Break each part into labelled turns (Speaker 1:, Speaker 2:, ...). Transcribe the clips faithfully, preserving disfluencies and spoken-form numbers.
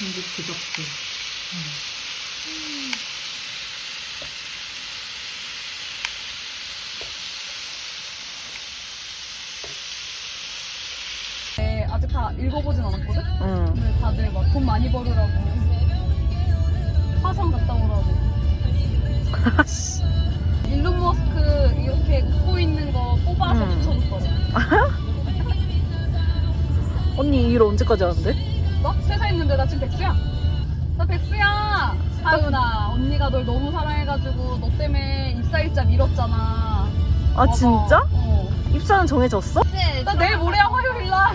Speaker 1: 중국 부적도. 음.
Speaker 2: 네, 아직 다 읽어보진 않았거든?
Speaker 3: 응.
Speaker 2: 근데 다들 막 돈 많이 벌으라고 화성 갔다 오라고 일론 머스크 이렇게 웃고 있는 거 뽑아서
Speaker 3: 음.
Speaker 2: 붙여줬거든.
Speaker 3: 언니 이 일 언제까지 하는데?
Speaker 2: 너? 회사 있는데 나 지금 백수야. 나 백수야. 하윤아, 언니가 널 너무 사랑해가지고 너 때문에 입사일자 미뤘잖아.
Speaker 3: 아
Speaker 2: 맞아.
Speaker 3: 진짜?
Speaker 2: 어.
Speaker 3: 입사는 정해졌어?
Speaker 2: 나 내일 모레야 화요일 날.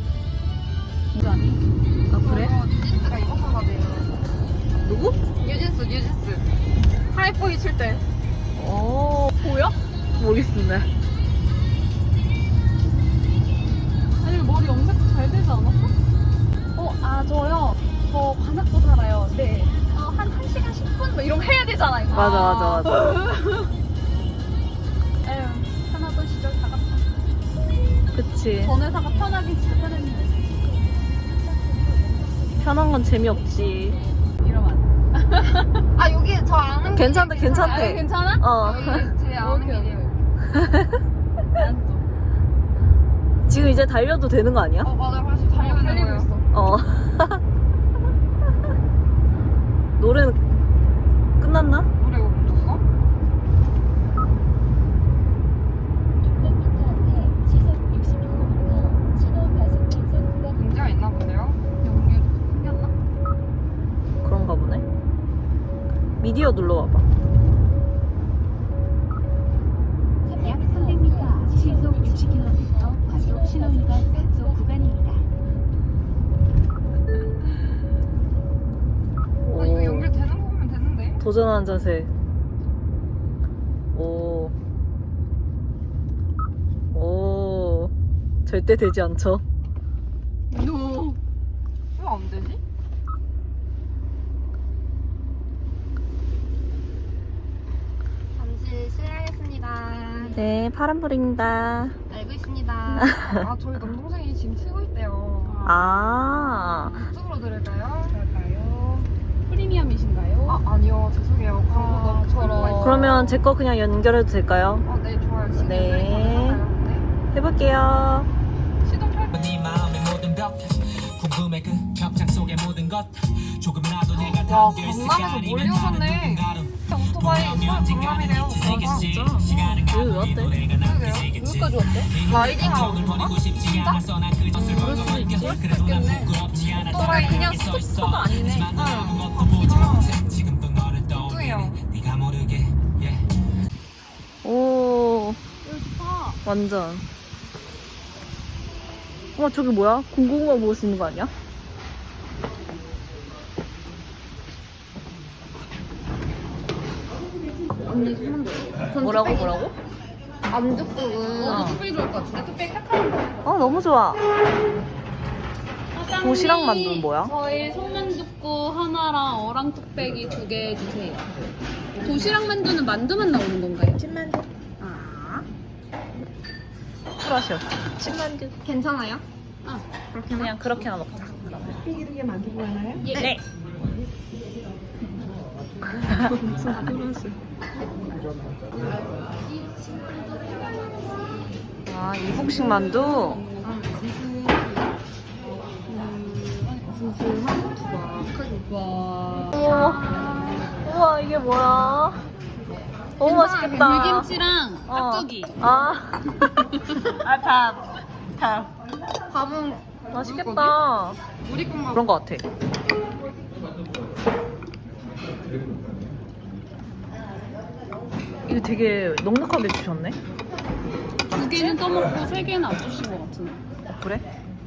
Speaker 3: 아 그래?
Speaker 2: 뉴진스가 이번 거 가지고.
Speaker 3: 누구?
Speaker 2: 뉴진스, 뉴진스. 하이포이 칠 때.
Speaker 3: 어
Speaker 2: 보여?
Speaker 3: 모르겠습니다.
Speaker 2: 아니 머리 염색 잘 되지 않았어? 어, 아 저요. 저 관악구 살아요. 네. 어, 한 1시간 십 분? 뭐 이런 거 해야 되잖아 이거.
Speaker 3: 맞아 맞아 맞아.
Speaker 2: 에휴, 편하던 시절 다 갔다.
Speaker 3: 그치.
Speaker 2: 전 회사가 편하긴 진짜 편했는데.
Speaker 3: 편한 건 재미없지.
Speaker 2: 이러면 안 돼.
Speaker 4: 아 여기 저 아는
Speaker 3: 괜찮다
Speaker 2: 아,
Speaker 3: 괜찮대.
Speaker 2: 괜찮아?
Speaker 3: 어.
Speaker 4: 여기 제 아는
Speaker 2: 오케이,
Speaker 4: 길이에요.
Speaker 2: 난 또.
Speaker 3: 지금 이제 달려도 되는 거 아니야?
Speaker 4: 어 맞아 벌써 달리고 있는
Speaker 2: 달리고
Speaker 4: 거예요.
Speaker 2: 있어.
Speaker 3: 어. 노래는 끝났나?
Speaker 4: 노래 이거 멈췄어? 문제가 있나 본데요?
Speaker 2: 연결 생겼나?
Speaker 3: 그런가 보네. 미디어 눌러봐봐.
Speaker 5: 약 삼백 미터 시속 육십 킬로미터 과속 신호위반 단속 구간입니다.
Speaker 4: 아 이거 연결되는 거 보면 되는데.
Speaker 3: 도전하는 자세. 오. 오. 절대 되지 않죠.
Speaker 2: 노.
Speaker 4: 왜 안 되지? 잠시 실례하겠습니다.
Speaker 3: 네, 파란불입니다.
Speaker 4: 알고 있습니다. 아 저희 남동생이 지금 치고 있대요.
Speaker 3: 아.
Speaker 4: 이쪽으로 들을까요?
Speaker 2: 그럴까요? 프리미엄이신가요?
Speaker 4: 아 아니요 죄송해요. 광고
Speaker 2: 아,
Speaker 4: 너무
Speaker 2: 저런.
Speaker 4: 광고가 있어요.
Speaker 3: 그러면 제 거 그냥 연결해도 될까요?
Speaker 4: 아, 네 좋아요. 지금
Speaker 3: 네.
Speaker 4: 연결이 가능한가요? 네.
Speaker 3: 해볼게요.
Speaker 2: 시동 할
Speaker 6: 네 마음의 모든 벽 궁금해 그 벽장 속의 모든 것 조금이라도 내가
Speaker 4: 와
Speaker 6: 담겨 있을
Speaker 4: 강남에서 멀리 오셨네. 오토바이 서울 강남이래요. 와 진짜.
Speaker 3: 여기 왜 왔대?
Speaker 4: 그러게요.
Speaker 2: 여기까지 왔대?
Speaker 4: 라이딩하고 오셨나? 진짜?
Speaker 6: 그럴 수도 있지
Speaker 4: 그럴 수도 있겠네.
Speaker 2: 오토바이 그냥 스쿠터가 아니네.
Speaker 6: 지금도 너를
Speaker 4: 뚱뚱해요.
Speaker 6: 네가 모르게
Speaker 3: 오.
Speaker 2: 여기 좋다.
Speaker 3: 완전. 와, 저기 뭐야? 군고구마 먹을 수 있는 거 아니야?
Speaker 4: 언니 손만 줘.
Speaker 3: 뭐라고, 뭐라고?
Speaker 4: 안죽국은
Speaker 3: 어.
Speaker 2: 뚝배기 좋을 것 같은데? 뚝배기 탁하는 거.
Speaker 3: 어, 너무 좋아.
Speaker 2: 사장님,
Speaker 3: 도시락 만두는 뭐야?
Speaker 2: 저희 소만둣국 하나랑 어랑 뚝배기 두 개 주세요. 도시락 만두는 만두만 나오는 건가요?
Speaker 3: 찐만두.
Speaker 2: 아,
Speaker 3: 쿨하셔. 찐만두.
Speaker 4: 괜찮아요?
Speaker 2: 아,
Speaker 3: 그냥 그렇게나 먹자. 삐기 두개 만들고 하나요?
Speaker 2: 예.
Speaker 3: 네. 아, 이북식 만두?
Speaker 4: 아 슴슴한 두박.
Speaker 2: 와.
Speaker 3: 우와. 우와, 이게 뭐야? 너무 맛있겠다.
Speaker 2: 물김치랑
Speaker 3: 어.
Speaker 2: 깍두기.
Speaker 3: 아. 아, 밥. 밥.
Speaker 4: 밥은
Speaker 3: 맛있겠다.
Speaker 4: 우리 건가?
Speaker 3: 그런 거 같아. 이거 되게 넉넉하게 주셨네.
Speaker 2: 두 개는 떠먹고 세 개는 안 주신 것 같은데.
Speaker 3: 어, 그래?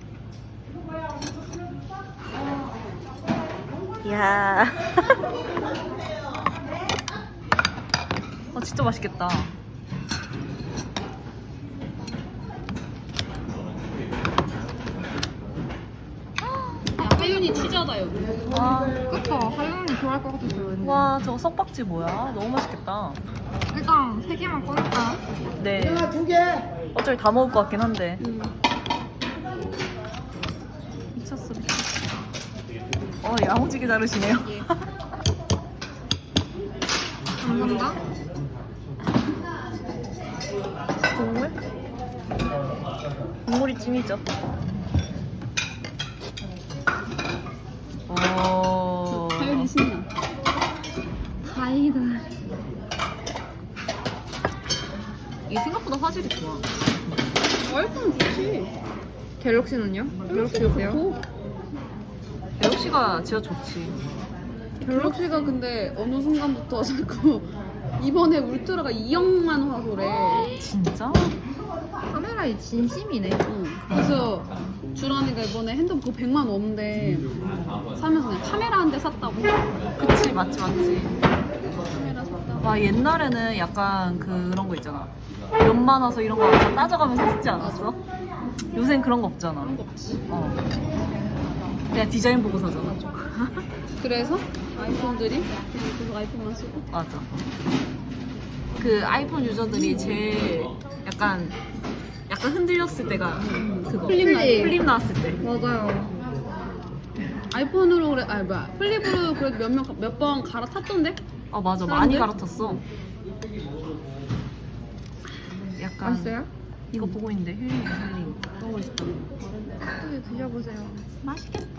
Speaker 3: 이야. 어, 진짜 맛있겠다.
Speaker 2: 야, 하윤이 치자다 여기.
Speaker 3: 와,
Speaker 4: 그쵸? 할머니 좋아할 것 같았어요. 왠지.
Speaker 3: 와, 저거 석박지 뭐야? 너무 맛있겠다.
Speaker 4: 일단 세 개만 꺼낼까요?
Speaker 3: 네. 두 개. 어차피 다 먹을 것 같긴 한데.
Speaker 2: 음.
Speaker 3: 미쳤어. 어, 야무지게 자르시네요.
Speaker 2: 감사합니다.
Speaker 3: 국물? 국물이 찜이죠. 오.
Speaker 2: 가연이 신나. 다행이다.
Speaker 3: 이게 생각보다 화질이 좋아.
Speaker 2: 아이폰 좋지.
Speaker 3: 갤럭시는요? 갤럭시 좋고. 갤럭시가 진짜 좋지.
Speaker 2: 갤럭시가 근데 어느 순간부터 자꾸 이번에 울트라가 이억만 화소래.
Speaker 3: 진짜? 카메라에 진심이네.
Speaker 2: 응. 그래서 주란이가 이번에 핸드폰 그거 백만 원인데 사면서 그냥 카메라 한 대 샀다고.
Speaker 3: 그치, 맞지, 맞지.
Speaker 2: 카메라 샀다고.
Speaker 3: 와, 옛날에는 약간 그런 거 있잖아. 몇만 와서 이런 거 다 따져가면서 쓰지 않았어? 요새는 그런 거 없잖아.
Speaker 2: 그런 거 없지.
Speaker 3: 어. 그냥 디자인 보고 사잖아.
Speaker 2: 그래서 아이폰들이 그냥 계속 아이폰만 쓰고.
Speaker 3: 맞아. 그 아이폰 유저들이 제일 약간 약간 흔들렸을 때가 그거.
Speaker 2: 플립 나-
Speaker 3: 플립 나왔을 때.
Speaker 2: 맞아요. 아이폰으로 그래, 아니 뭐야, 플립으로 그래도 몇몇 번 갈아탔던데?
Speaker 3: 아 맞아,
Speaker 2: 사람들?
Speaker 3: 많이 갈아탔어. 약간
Speaker 2: 맛있어요?
Speaker 3: 이거 보고 있는데 힐링 힐링.
Speaker 2: 너무 맛있다.
Speaker 3: 또 드셔보세요. 맛있겠다.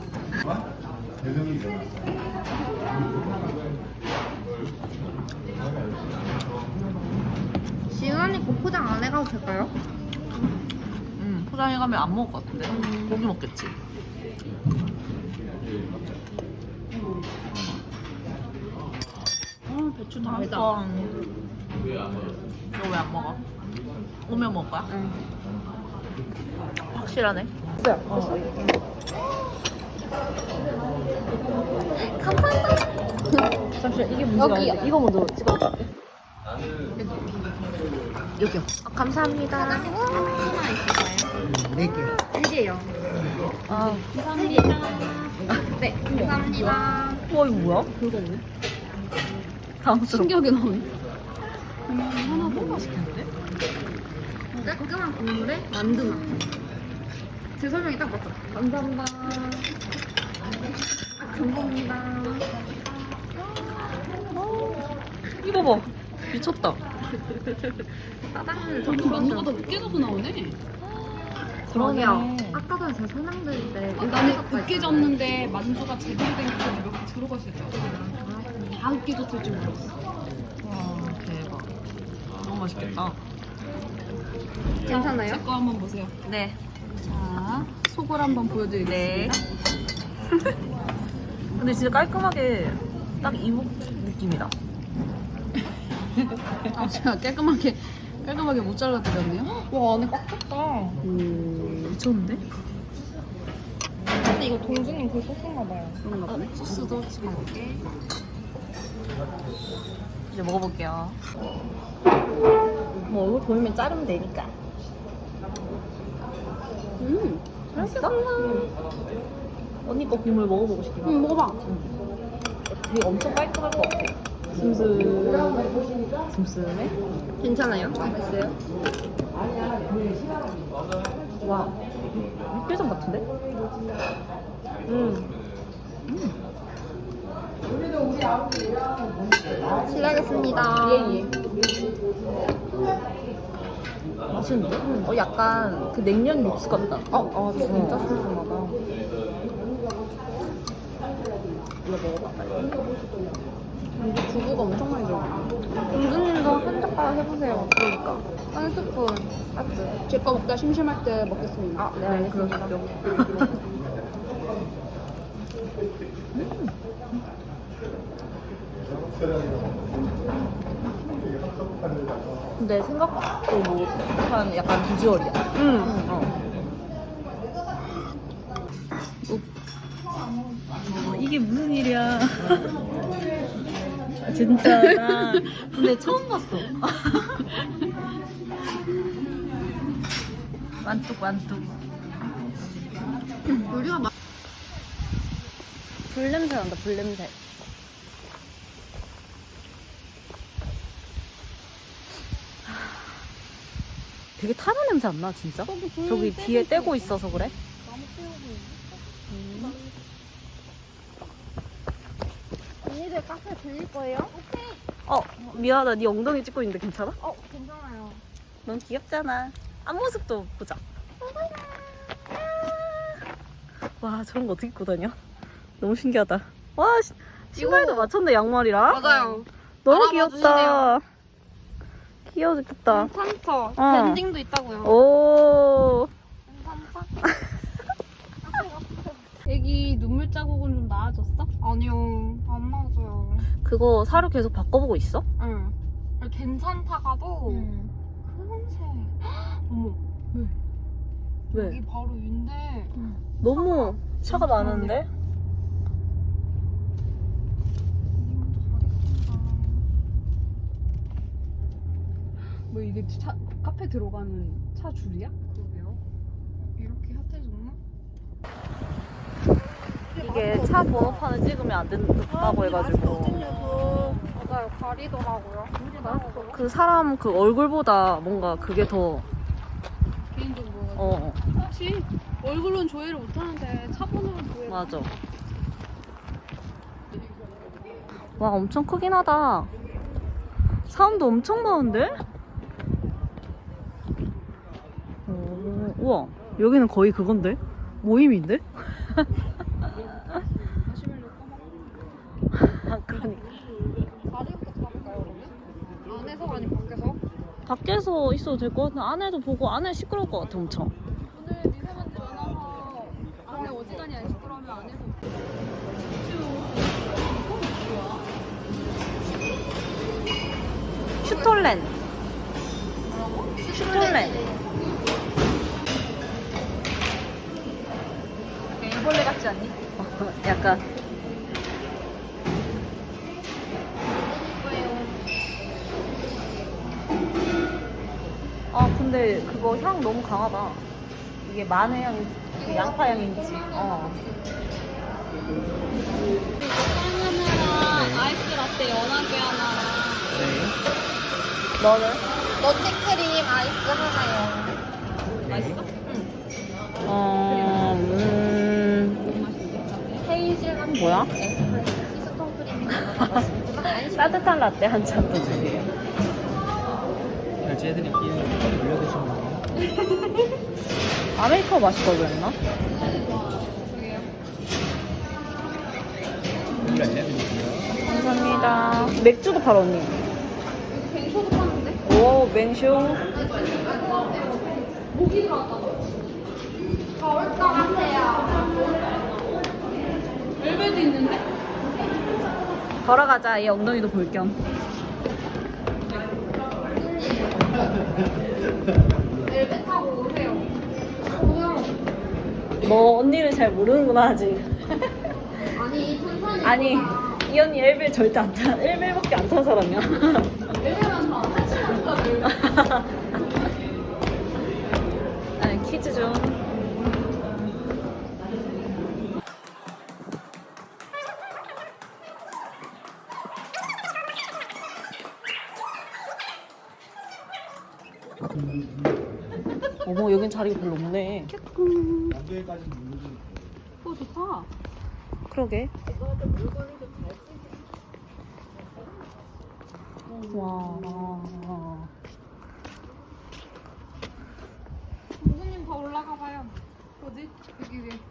Speaker 4: 지은이 거 포장 안 해가도 될까요?
Speaker 3: 음 포장해 가면 안 먹을 것 같은데. 고기 먹겠지.
Speaker 2: 아 배추 달다.
Speaker 3: 너 왜 안 먹어? 오면 먹을 거야?
Speaker 2: 응.
Speaker 3: 확실하네.
Speaker 2: 잠시만 이게 문제가 여기 이거 먼저 찍어.
Speaker 3: 여기요.
Speaker 4: 감사합니다. 하나 있을까요? 네 개. 세 개요.
Speaker 3: 아,
Speaker 4: 감사합니다. 네, 감사합니다.
Speaker 3: 와 이거 뭐야?
Speaker 2: 별거 없네.
Speaker 3: 당스러워.
Speaker 2: 신기하게 나오네. 음, 하나 더
Speaker 3: 맛있겠는데?
Speaker 4: 깔끔한 국물에 만두맛. 제 설명이 딱 맞죠? 감사합니다. 감사합니다.
Speaker 3: 이거 봐. 미쳤다.
Speaker 4: 따당을
Speaker 2: 저기 만두가 더 으깨져서 나오네.
Speaker 4: 그러게요. 아까 전에 제 설명 드릴 때
Speaker 2: 아, 나는 으깨졌는데 만두가 제대로 된 게 몇 개 들어갔을 줄 알았어. 다 으깨졌을 줄 몰랐어.
Speaker 3: 와 대박. 너무 맛있겠다.
Speaker 4: 괜찮아요?
Speaker 2: 제 거 한번 보세요.
Speaker 3: 네.
Speaker 2: 자, 속을 한번 보여드리겠습니다.
Speaker 3: 근데 진짜 깔끔하게 딱 이목 느낌이다.
Speaker 2: 아, 제가 깔끔하게 깔끔하게 못 잘라드렸네요.
Speaker 4: 와, 안에 꽉 찼다.
Speaker 2: 음,
Speaker 3: 미쳤는데?
Speaker 4: 근데 이거 동주님 그 소스인가 봐요.
Speaker 2: 그런가 보네.
Speaker 3: 소스도 찍어볼게. 이제 먹어볼게요. 뭐 얼굴 보이면 자르면 되니까.
Speaker 2: 음,
Speaker 3: 맛있어? 언니 거 국물 먹어보고 싶긴 하다.
Speaker 2: 음, 먹어봐.
Speaker 3: 되게 엄청 깔끔할 것 같아. 슴슴. 슴슴해?
Speaker 4: 괜찮아요? 맛있어요?
Speaker 3: 와. 육개장 같은데? 음.
Speaker 4: 실례하겠습니다.
Speaker 3: 예예. 맛있는데? 어 약간 그 냉면 육수 같다.
Speaker 4: 어, 아, 진짜 소스인가 봐.
Speaker 3: 이거 먹어봐.
Speaker 2: 근데 두부가 엄청 많이 들어가.
Speaker 4: 동주님도 한 젓가락 해보세요. 그러니까. 한 스푼. 맞죠?
Speaker 2: 제 거 먹다 심심할 때 먹겠습니다.
Speaker 4: 아, 네, 알겠습니다.
Speaker 3: 근데 생각도 못한 약간 비주얼이야.
Speaker 4: 응.
Speaker 3: 어. 어, 이게 무슨 일이야? 진짜 나 근데 처음 봤어. 완뚝 완뚝.
Speaker 2: 우리가 막
Speaker 3: 불냄새 난다 불냄새. 되게 타는 냄새 안 나 진짜? 저기 뒤에 떼고 있어서 그래?
Speaker 2: 이제 카페 들릴 거예요? 오케이.
Speaker 3: 어 미안하다. 네 엉덩이 찍고 있는데 괜찮아?
Speaker 2: 어, 괜찮아요.
Speaker 3: 넌 귀엽잖아. 앞모습도 보자. 와 저런 거 어떻게 입고 다녀? 너무 신기하다. 와 시, 신발도 맞췄네 양말이랑.
Speaker 2: 맞아요.
Speaker 3: 너무
Speaker 2: 알아봐
Speaker 3: 귀엽다. 귀여워 죽겠다.
Speaker 2: 괜찮죠?
Speaker 3: 어.
Speaker 2: 밴딩도 있다고요.
Speaker 3: 오.
Speaker 2: 괜찮죠? 애기 눈물 자국은 좀 나아졌어? 아니요. 안 나아져요.
Speaker 3: 그거 사료 계속 바꿔보고 있어?
Speaker 2: 응. 괜찮다가도 금세. 어머.
Speaker 3: 왜?
Speaker 2: 여기 바로 위인데.
Speaker 3: 너무 차가 많은데?
Speaker 4: 뭐 이게 차, 카페 들어가는 차 줄이야?
Speaker 2: 그러게요. 이렇게 핫해졌나?
Speaker 3: 이게 차 번호판을 찍으면 안 된다고 해가지고
Speaker 2: 맞아요. 가리더라고요.
Speaker 3: 그 사람 그 얼굴보다 뭔가 그게 더
Speaker 2: 개인적으로.
Speaker 3: 어,
Speaker 2: 혹시 얼굴은 조회를 못하는데 차 번호는 조회를.
Speaker 3: 맞아. 와 엄청 크긴 하다. 사람도 엄청 많은데? 오, 우와 여기는 거의 그건데? 모임인데? 아 그러니까
Speaker 2: 자리부터 잡을까요, 그러면? 안에서 아니면 밖에서?
Speaker 3: 밖에서 있어도 될 것 같은데 안에도 보고 안에 시끄러울 것 같아 엄청.
Speaker 2: 오늘 미세먼지 많아서 안에 어지간히 안 시끄러우면 안에서.
Speaker 3: 슈톨렌 슈톨렌
Speaker 2: 일벌레 같지 않니?
Speaker 3: 어, 약간 아 근데 그거 향 너무 강하다. 이게 마늘 향인지 양파 향인지 어.
Speaker 2: 빵 하나랑 아이스 라떼 연하게 하나랑
Speaker 3: 너는?
Speaker 2: 너트크림 아이스 하나요. 맛있어?
Speaker 3: 어... 음...
Speaker 2: 헤이즐넛
Speaker 3: 뭐야?
Speaker 2: 피스톤 크림이 들어가고
Speaker 3: 따뜻한 라떼 한 잔 더 주세요.
Speaker 6: 결제해드릴게요. 올려드시면 돼요.
Speaker 3: 아메리카노 마실 걸 그랬나?
Speaker 6: 결제해드릴게요.
Speaker 3: 감사합니다. 맥주도 팔아 언니.
Speaker 2: 뱅쇼도 파는데?
Speaker 3: 오 맹쇼.
Speaker 2: 모기 들어왔다. 더울 것 같아요. 벨벳도 있는데?
Speaker 3: 걸어가자. 얘 엉덩이도 볼 겸.
Speaker 2: 벨벳 타고 오세요. 뭐야?
Speaker 3: 너 언니를 잘 모르는구나 아직.
Speaker 2: 아니 천천히.
Speaker 3: 아니 이 언니 엘벨 절대 안 타. 엘벨밖에 안 탄 사람이야.
Speaker 2: 벨벳만 타. 한치만 타 벨벳.
Speaker 3: 아니 퀴즈 좀. 어머 여긴 자리가 별로 없네.
Speaker 2: 어 좋다.
Speaker 3: 그러게. 와.
Speaker 2: 공주님 더 올라가 봐요. 어디? 여기 위에.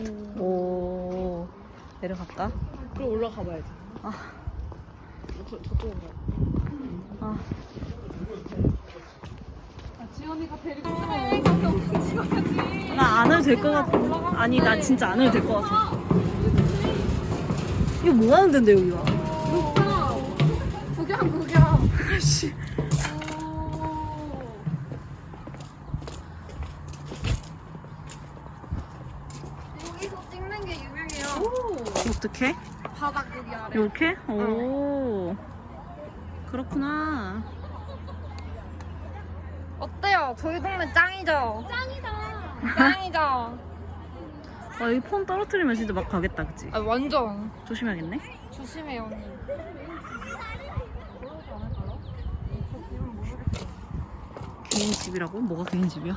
Speaker 3: 오. 내려갈까?
Speaker 4: 그럼 올라가 봐야지.
Speaker 3: 아.
Speaker 4: 저, 저쪽으로 가.
Speaker 3: 아.
Speaker 2: 아, 지연이가 데리고 그래. 가서 엉덩이 찍어야지.
Speaker 3: 나 안 해도 될 것 같아. 아니 나 진짜 안 해도 될 것 같아. 이거 뭐 하는 데인데 여기가?
Speaker 2: 구경 구경 구경.
Speaker 3: 씨.
Speaker 2: 여기서 찍는 게 유명해요.
Speaker 3: 어떻게?
Speaker 2: 바닥 여기 아래.
Speaker 3: 이렇게? 오. 그렇구나.
Speaker 2: 어때요? 저희 동네 짱이죠? 짱이다. 짱이죠?
Speaker 3: 아 여기 폰 떨어뜨리면 진짜 막 가겠다 그치?
Speaker 2: 아 완전.
Speaker 3: 조심해야겠네.
Speaker 2: 조심해요 언니.
Speaker 3: 개인 집이라고? 뭐가 개인 집이야?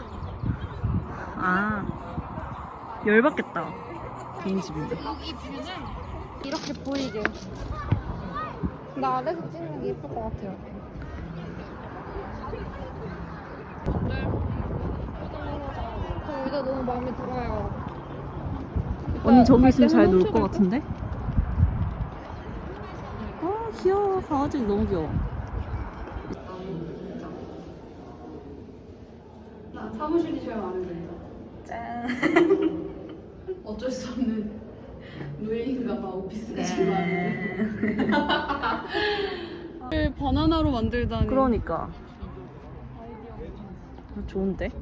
Speaker 3: 아 열받겠다 개인 집인데.
Speaker 2: 여기 뷰는 이렇게 보이게.
Speaker 4: 나 아래서 찍는 게 예쁠 것 같아요. 저 의자 너무 마음에 들어요.
Speaker 3: 언니 저기 있으면 잘
Speaker 4: 갈
Speaker 3: 놀
Speaker 4: 때는
Speaker 3: 것
Speaker 4: 훔쳐갈까?
Speaker 3: 같은데? 아 귀여워. 강아지 너무 귀여워.
Speaker 2: 나 사무실이 제일 마음에 든다.
Speaker 3: 짠.
Speaker 2: 어쩔 수 없는 노예인가 봐. 오피스가 제일 마음에 든다. 바나나로 만들다니.
Speaker 3: 그러니까. 좋은데?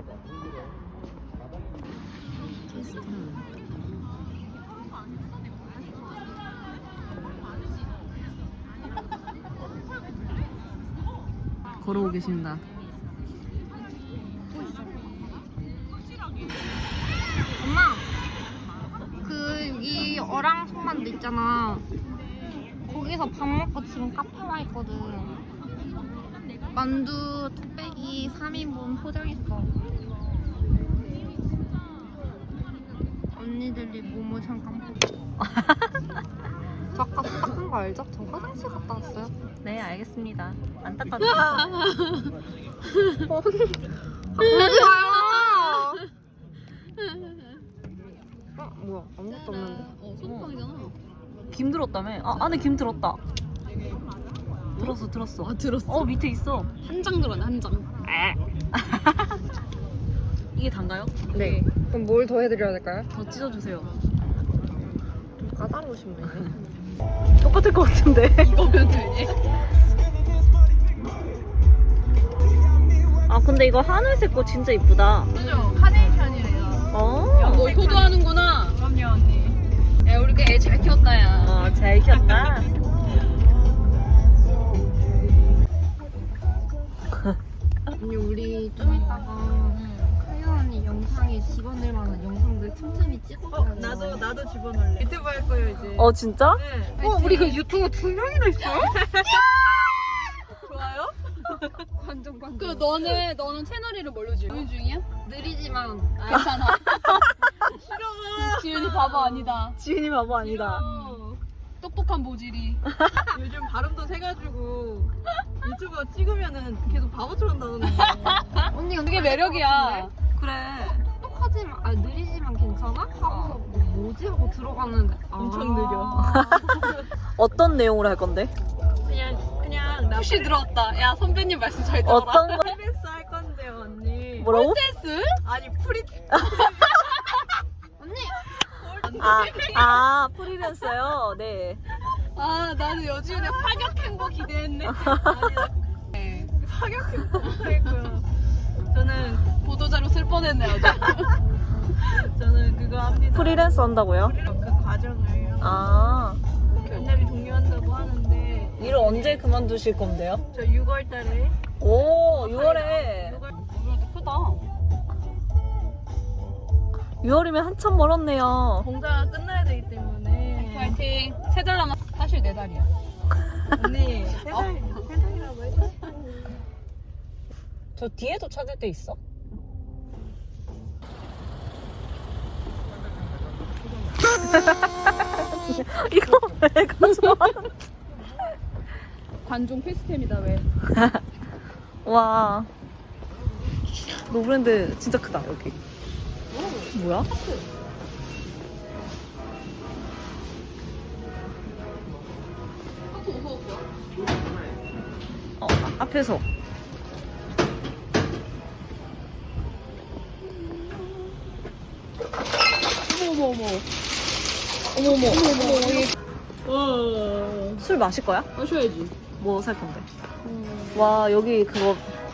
Speaker 3: 걸어오고 계신다.
Speaker 4: 엄마, 그 여기 어랑 손만두 있잖아. 거기서 밥 먹고 지금 카페 와 있거든. 만두 뚝배기 삼 인분 포장했어. 언니들이 모모 잠깐 보고. 저 아까 닦은 거 알죠? 저 화장실 갔다 왔어요.
Speaker 3: 네 알겠습니다. 안 닦아도
Speaker 4: 그러지 마요. 어 뭐야 아무것도 없는데?
Speaker 2: 어, 소금빵이잖아.
Speaker 3: 김 들었다며? 아 안에 김 들었다. 들었어 들었어.
Speaker 2: 아, 들었어?
Speaker 3: 어 밑에 있어.
Speaker 2: 한 장 들었네, 한 장.
Speaker 3: 이게 단가요?
Speaker 4: 네. 그럼 뭘 더 해드려야 될까요?
Speaker 3: 더 찢어주세요.
Speaker 4: 좀 까다로우신 분이네.
Speaker 3: 똑같을 것 같은데.
Speaker 2: 이거면 되니?
Speaker 3: 아 근데 이거 하늘색 거 진짜 이쁘다.
Speaker 2: 그죠? 카네이션이래요.
Speaker 3: 어.
Speaker 2: 너 효도하는구나. 그럼요, 언니. 야, 우리 애 잘 키웠다, 야.
Speaker 3: 어, 잘 키웠다.
Speaker 4: 언니 우리 좀 이따가 하연 언니 영상에 집어넣을 만한 영상들 틈틈이 찍어줘요.
Speaker 2: 나도 집어넣을래. 유튜브 할 거예요, 이제.
Speaker 3: 어 진짜?
Speaker 4: 어 우리 그 유튜브 두 명이나 있어요?
Speaker 2: 좋아요?
Speaker 4: 관전 관전.
Speaker 2: 그, 너는, 너는 채널 이름 뭘로 지어? 고민 중이야?
Speaker 4: 느리지만
Speaker 2: 아, 괜찮아. 싫어. 지은이 바보 아니다.
Speaker 3: 지은이 바보 아니다.
Speaker 2: 똑똑한 모질이.
Speaker 1: 요즘 발음도 세가지고 유튜브 찍으면은 계속 바보처럼 나오는 거.
Speaker 4: 언니
Speaker 2: 그게 매력이야.
Speaker 3: 그래.
Speaker 4: 똑똑하지만 아 느리지만 괜찮아? 하고서 뭐, 뭐지 하고 들어가는데
Speaker 1: 엄청
Speaker 4: 아.
Speaker 3: 어떤 내용으로 할 건데?
Speaker 1: 그냥 그냥 나
Speaker 2: 혹시 들어왔다. 야, 선배님 말씀 잘 들어라.
Speaker 3: 어떤 거?
Speaker 1: 프리랜서 할 건데요 언니.
Speaker 3: 뭐라고?
Speaker 2: 댄스?
Speaker 1: 아니 프리
Speaker 4: 언니
Speaker 3: 아, 아 프리랜서요? 네.
Speaker 2: 아, 나는 여지은의 파격 행보 기대했네. 네.
Speaker 1: 파격 못하겠고요. 저는
Speaker 2: 보도자료 쓸 뻔했네, 아주.
Speaker 1: 저는 그거 합니다.
Speaker 3: 프리랜서 한다고요?
Speaker 1: 그 과정을
Speaker 3: 아.
Speaker 1: 연날이 종료한다고 하는데
Speaker 3: 일을 언제 그만두실 건데요?
Speaker 1: 저 유월 달에
Speaker 3: 오, 유월에.
Speaker 1: 유월
Speaker 2: 그래도 크다.
Speaker 3: 유월이면 한참 멀었네요.
Speaker 1: 공사가 끝나야 되기 때문에
Speaker 2: 파이팅. 세 달 남았. 사실 네 달이야.
Speaker 1: 언니 세 달, 세 달이라고 해줘.
Speaker 3: 저 뒤에도 찾을 때 있어? 이거 왜 가져와?
Speaker 2: 관종 필수템이다, 왜?
Speaker 3: 와. 노브랜드 진짜 크다, 여기. 뭐야? 어, 아, 앞에서.
Speaker 2: 어머, 어머, 어머.
Speaker 3: 어머, 어머.
Speaker 2: 어,
Speaker 3: 술 마실 거야?
Speaker 2: 마셔야지.
Speaker 3: 뭐 살 건데? 와, 여기 그거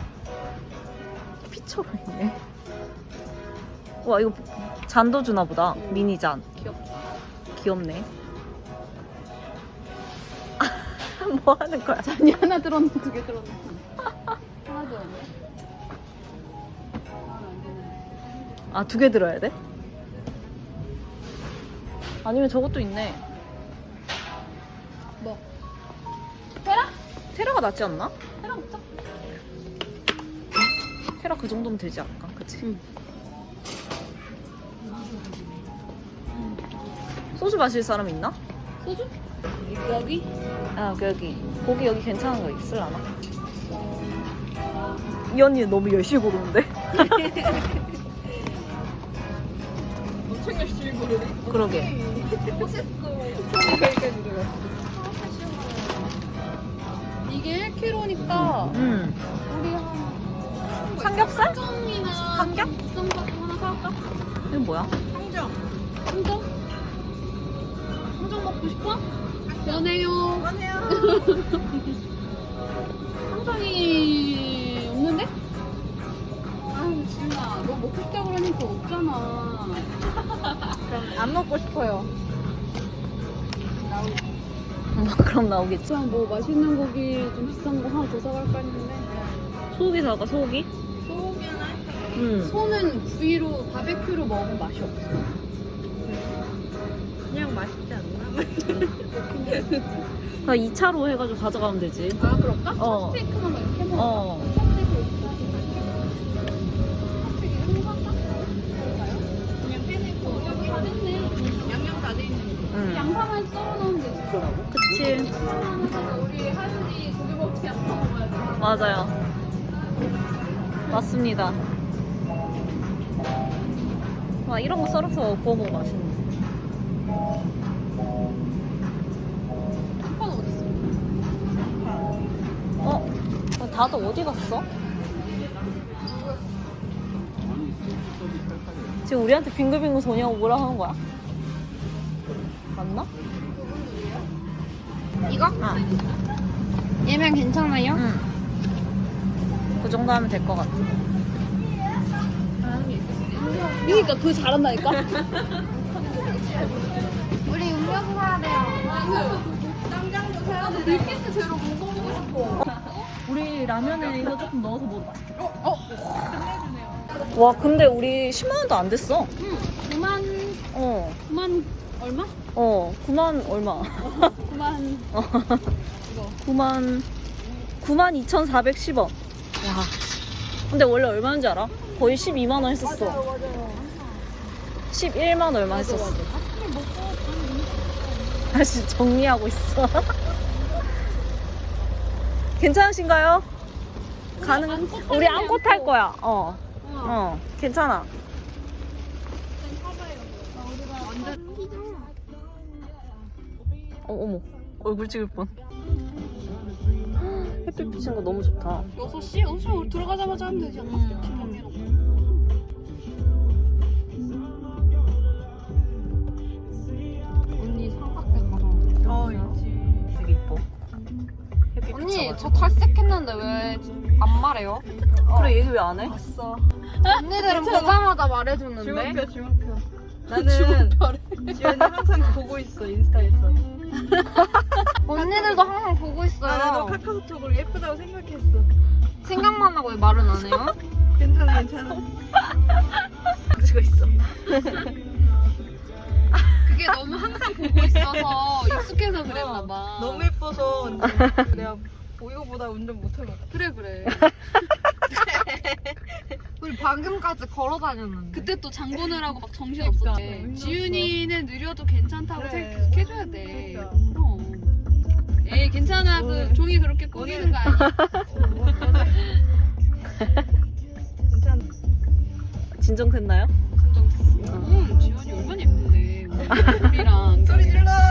Speaker 3: 피처가 있네. 와, 이거 잔도 주나 보다. 미니 잔.
Speaker 2: 귀엽다.
Speaker 3: 귀엽네. 뭐 하는 거야?
Speaker 2: 잔이 하나 들었네, 두 개 들었네. 하나 들었네.
Speaker 3: 아, 두 개 들어야 돼? 아니면 저것도 있네.
Speaker 2: 뭐?
Speaker 3: 테라? 테라가 낫지 않나?
Speaker 2: 테라 먹자.
Speaker 3: 테라 그 정도면 되지 않을까? 그치?
Speaker 2: 응.
Speaker 3: 소주 마실 사람 있나?
Speaker 2: 소주? 여기?
Speaker 3: 아 여기 고기 여기 괜찮은 거 있을라나? 이 언니 너무 열심히 고르는데?
Speaker 1: 엄청 열심히 고르네.
Speaker 3: 그러게.
Speaker 1: 손이 그렇게 들어갔어.
Speaker 2: 이게 일 킬로그램니까
Speaker 3: 음.
Speaker 2: 우리 한
Speaker 3: 삼겹살?
Speaker 2: 청이나
Speaker 3: 삼겹?
Speaker 2: 비싼 거 하나 사갈까?
Speaker 3: 이건 뭐야?
Speaker 1: 성정.
Speaker 2: 청정? 청정 먹고 싶어? 연해요.
Speaker 1: 그만해요.
Speaker 2: 청정이 없는데? 아유 지은아 너 먹고 싶다 그러니까 없잖아.
Speaker 1: 그럼 안 먹고 싶어요.
Speaker 3: 그럼 나오겠지.
Speaker 2: 그냥 뭐 맛있는 고기 좀 비싼 거 하나 더 사갈까 했는데
Speaker 3: 소고기 사가 소고기?
Speaker 1: 소고기나
Speaker 3: 응.
Speaker 2: 소는 구이로 바베큐로 먹으면 맛이 없어.
Speaker 1: 그냥 맛있지 않나?
Speaker 3: 나 이 차로 해가지고 가져가면 되지.
Speaker 2: 아 그럴까?
Speaker 3: 어.
Speaker 2: 스테이크만 막 이렇게 먹어.
Speaker 3: 어.
Speaker 2: 스테이크 스테이크 이거 할까? 그럴까요? 그냥 빼내고 여기 다 됐네. 양념 다 돼 있는 거.
Speaker 3: 응.
Speaker 2: 양파만 썰어 넣으면 되지.
Speaker 3: 그치.
Speaker 2: 우리 하윤이 고기 먹지 않고 먹어야 돼.
Speaker 3: 맞아요. 맞습니다. 와 이런 거 썰어서 구워 먹으면 맛있는데.
Speaker 2: 양파는 어디 있어?
Speaker 3: 어? 어, 다들 어디 갔어? 지금 우리한테 빙글빙글 도냐고 뭐라 하는 거야? 맞나?
Speaker 4: 이거?
Speaker 3: 아,
Speaker 4: 얘면 괜찮아요?
Speaker 3: 응. 그 정도 하면 될 것 같아.
Speaker 2: 그러니까 그거 잘한다니까?
Speaker 4: 우리 음료수 사야 돼요.
Speaker 2: 짱짱도 사야 돼. 밀키트 제로 먹어보고 싶어.
Speaker 3: 우리 라면에 이거 조금 넣어서 먹어도 맛있겠다.
Speaker 2: 어? 끝내주네요.
Speaker 3: 와 근데 우리 십만 원도 안 됐어.
Speaker 2: 응. 구만,
Speaker 3: 어.
Speaker 2: 구만, 얼마?
Speaker 3: 어. 구만 얼마?
Speaker 2: 구만.
Speaker 3: 어. 구만 구만 이천사백십 원. 와. 근데 원래 얼마인지 알아? 거의 십이만 원 했었어.
Speaker 1: 맞아요, 맞아요.
Speaker 3: 십일만 얼마 했었어. 다시 정리하고 있어. 괜찮으신가요? 가능?
Speaker 2: 안고 타지
Speaker 3: 우리 안고 탈
Speaker 2: 않고.
Speaker 3: 거야. 어. 어. 괜찮아. 어, 어머. 얼굴 찍을 뻔. 햇빛 비치는 거 너무 좋다.
Speaker 2: 여섯 시? 여섯 시 우리 들어가자마자 하면 되지 않나? 정리해놓고.
Speaker 4: 언니 삼각대 가서.
Speaker 1: 어, 있지.
Speaker 3: 되게 이뻐. 햇빛
Speaker 4: 언니
Speaker 3: 비쳐가지고.
Speaker 4: 저 탈색했는데 왜 안 말해요?
Speaker 3: 그래 얘기 왜 안 해?
Speaker 1: 봤어.
Speaker 4: 언니들은 보자마자 말해주는데.
Speaker 1: 주목표, 주목표. 나는 지연이 항상 보고 있어, 인스타에서.
Speaker 4: 언니들도 항상 보고 있어요.
Speaker 1: 아, 나도 카카오톡으로 예쁘다고 생각했어.
Speaker 4: 생각만 하고 왜 말은 안 해요?
Speaker 1: 괜찮아, 괜찮아. 가지고 있어.
Speaker 2: 그게 너무 항상 보고 있어서 익숙해서 그랬나 봐.
Speaker 1: 너무 예뻐서 내가 이거보다 운전 못할 것 같아.
Speaker 2: 그래 그래.
Speaker 4: 우리 방금까지 걸어 다녔는데.
Speaker 2: 그때 또 장 보느라고 막 정신
Speaker 1: 그러니까,
Speaker 2: 없었대.
Speaker 1: 힘들었어.
Speaker 2: 지윤이는 느려도 괜찮다고
Speaker 1: 그래.
Speaker 2: 계속 해줘야 돼.
Speaker 1: 그러니까.
Speaker 2: 그럼. 에이 괜찮아. 그
Speaker 1: 오늘-
Speaker 2: 종이 그렇게 꾸미는 거 아니야.
Speaker 1: 괜찮아.
Speaker 3: 진정됐나요?
Speaker 2: 응, 지윤이 얼마나 예쁜데. 우리랑
Speaker 1: 소리 질러!